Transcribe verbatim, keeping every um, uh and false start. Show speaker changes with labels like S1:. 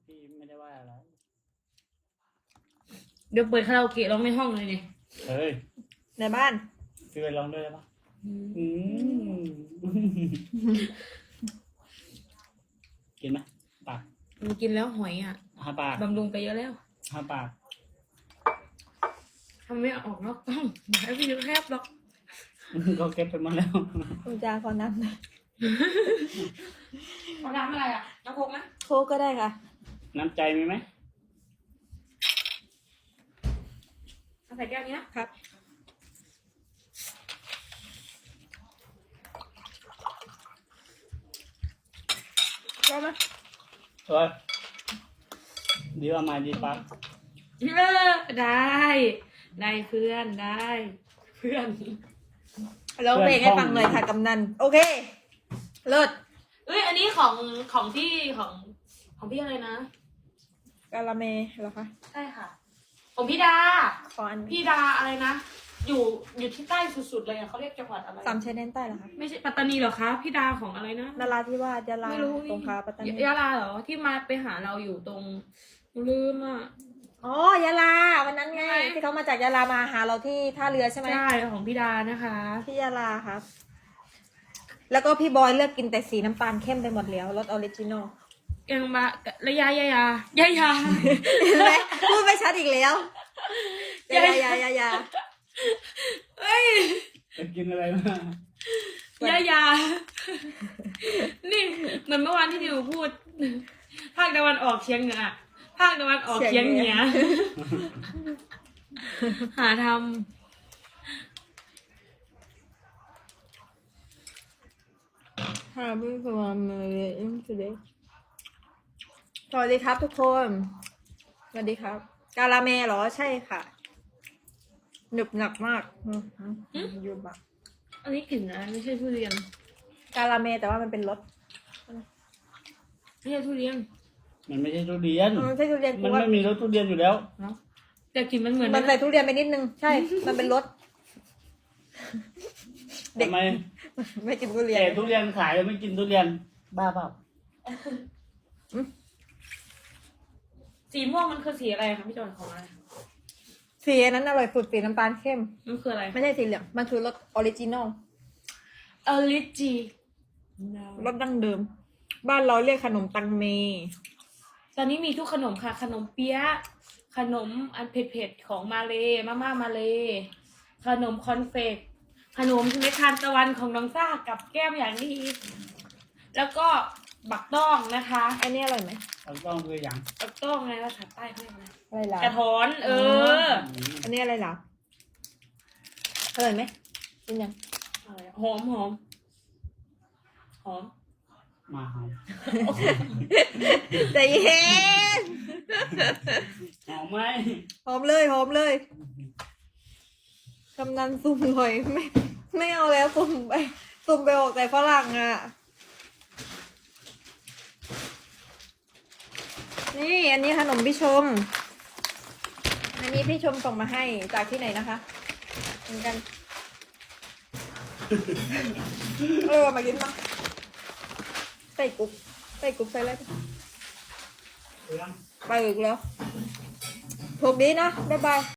S1: พี่ไม่ได้ว่าอะไร
S2: เดี๋ยวเปิดคาราโอเกะร้องในห้องเลยนี่
S1: เฮ้ย
S3: ในบ้าน
S1: พี่ไปลองด้วยได้ปะอืมกินไหมปาก
S2: มันกินแล้วหอยอ่ะ
S1: หาปาก
S2: บำรุงไปเยอะแล้ว
S1: หาปาก
S2: ทำไม่ออกนอกกล้องบอกให้พี่แคบหรอก
S1: ก็เก็บไปหมดแล้ว
S3: คุณจาขอน้ำหน่อย
S2: เอาน้ำอะไรอ่ะน้ำโค้กไหม
S3: โค้กก็ได้ค่ะ
S1: น้ำใจมีไหม
S2: เอาใส่แก้วนี้นะครับ
S3: ก็ไหม
S1: เฮ้ยดีว่ามาดีปะ
S2: เออได้ได้เพื่อนได้ เพื่อน
S3: ร้องเพลงให้ฟังหน่อยค่ะกำนันโอเคเลิศ
S2: เอ้ยอันนี้ของของพี่ของของพี่อะไรนะ
S3: กาลาเมเหรอคะ
S2: ใช่ค่ะ ของพี่ดา
S3: ขออัน
S2: พี่ดาอะไรนะ อยู่อยู่ที่ใต้สุดๆเลยอะเขาเรียกจังหวัดอะไร
S3: สามชายแดนใต้เหรอคะ
S2: ไม่ใช่ปัตตานีเหรอคะพี่ดาของอะไรนะ
S3: นาราธิวาสยะลา
S2: ไม่รู้
S3: สงขลาปัตตานี
S2: ยะลาเหรอที่มาไปหาเราอยู่ตรงลืมอ่ะ
S3: อ๋อยะลาวันนั้นไง
S2: ใช่
S3: ที่เขามาจากยะลามาหาเราที่ท่าเรือใช่ไหม
S2: ใช่ของพี่ดานะคะ
S3: ที่ยะลาครับ แล้วก็พี่บอยเลือกกินแต่สีน้ำตาลเข้มไปหมดแล้วรสออริจินอล
S2: ยังมาระยะยายายายา
S3: เห็นไหมพูดไม่ชัดอีกแล้วยายายายายา
S2: เอ้ย
S1: ไปกินอะไรมาย
S2: ายา นี่เหมือนเมื่อวานที่ดิวพูด ภาคตะวันออกเฉียงเหนือภาคตะวันออกเฉียงเหนือหาท
S3: ฮาบิฟวามเลยอินทูเดย์สวัสดีครับทุกคน สวัสดีครับ กาลาเมเหรอใช่ค่ะ หนึบหนักมากอืมอืมยูบะ
S2: ำอันนี้กลิ่นอะไรไม่ใช่ทุเรียน
S3: กาลาเมแต่ว่ามันเป็นรส
S2: ไม่ใช่ทุเรียน
S1: มันไม่ใช่ทุเรียน
S3: มันไม่ใช่ทุเรียน
S1: มัน
S3: ว่า
S1: ไม่มีรสทุเรียนอยู่แล้ว
S2: เนาะแต่กลิ่นมันเหมือน
S3: มันใส่ทุเรียนไปนิดนึง ใช่ มันเป็นรส เด็ก
S1: ทำไม
S3: ไม่กินทุเรียน
S1: แก่ทุเรียนขายแล้วไม่กินทุเรียน บ้าเปล่า
S2: สีม่วงมันคือสีอะไรคะพี่จอยของอะไร
S3: สีอันนั้นอร่อยสุดสีน้ำตาลเข้ม
S2: มันคืออะไร
S3: ไม่ใช่สีเหลือง มันคือรสออริจินอล
S2: ออริจิ
S3: รสดั้งเดิม บ้านเราเรียกขนมตังเม
S2: ตอนนี้มีทุกขนมค่ะ ขนมเปี๊ยะขนมอันเผ็ดๆของมาเลมาม่ามาเลขนมคอนเฟกขนมเม็ดทานตะวันของน้องซ่ากับแก้มอย่างดีแล้วก็บักต้องนะคะ
S3: อันนี้อร่อยไหม
S1: เราต้องคืออย่าง
S2: บักต้องไงภาษาใต้เขาเรียกอะไร
S3: อะไรล่ะ
S2: กระท้อน เออ
S3: อันนี้อะไรล่ะอร่อยไหมกินยัง
S2: อะไรอะหอมหอมหอม
S1: มาหอม
S3: ใจเย็น
S1: หอมไหม
S3: หอมเลยหอมเลยกำนันซุ่มหน่อยไม่ไม่เอาแล้วซุ่มไปซุ่มไปออกแต่ฝรั่งอ่ะ นี่อันนี้ขนมพี่ชม อันนี้พี่ชมส่งมาให้จากที่ไหนนะคะเหมือนกัน เออมากินมาใส่กุ๊บใส่กุ๊บใส่อะไร
S1: เรื่อง
S3: ไปอีกแล้วถูกดีนะบ๊ายบาย